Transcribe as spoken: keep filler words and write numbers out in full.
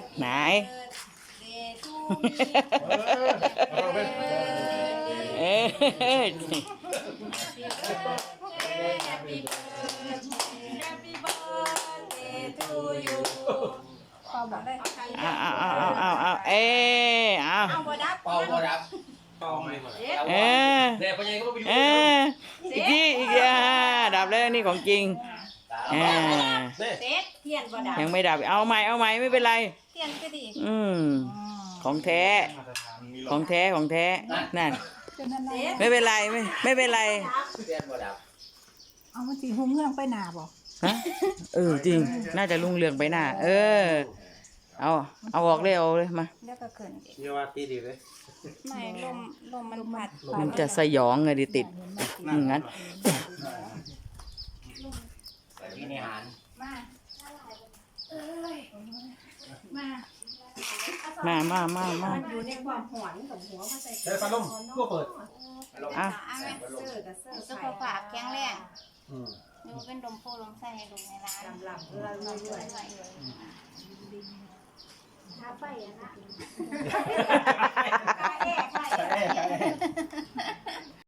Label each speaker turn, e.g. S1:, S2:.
S1: ไหนเออเอาเอาเอาเอาเอาเออเอา
S2: เป่าบ่ดับเป่าไม่หมด
S1: เออเอออีกทีอีกทีดับแล้วนี่ของจริงอ่ายังไม่ดับเอาใหม่เอาใหม่ไม่เป็นไรอืมของแท้ของแท้ของแท้นั่นไม่เป็นไรไม่ไม่เป็นไร
S3: เอามันสีหุ่งเงื่องไปหนาบ่
S1: ฮะเออจริงน่าจะรุ่งเรืองไปหน้าเออเอาเอาออกเลยเอาเลยมา
S4: แล้วก็เกิน
S2: เยาว่าตีดีเลย
S4: ไม่ลมลมมันพัด
S1: มันจะสยองไงดิติดงั้น
S2: มีในหาร
S4: มา
S1: มามามามา
S4: อยู่ในความหอนกับหัวมาใส่
S2: ใช้พัดลมก็เปิด
S1: อ่ะ
S4: สุขภาพแข็งแรงดูเป็นดมโพลมใส่ให้ดูในร้านหลับๆเราเรื่อยๆทาไปอ่ะนะ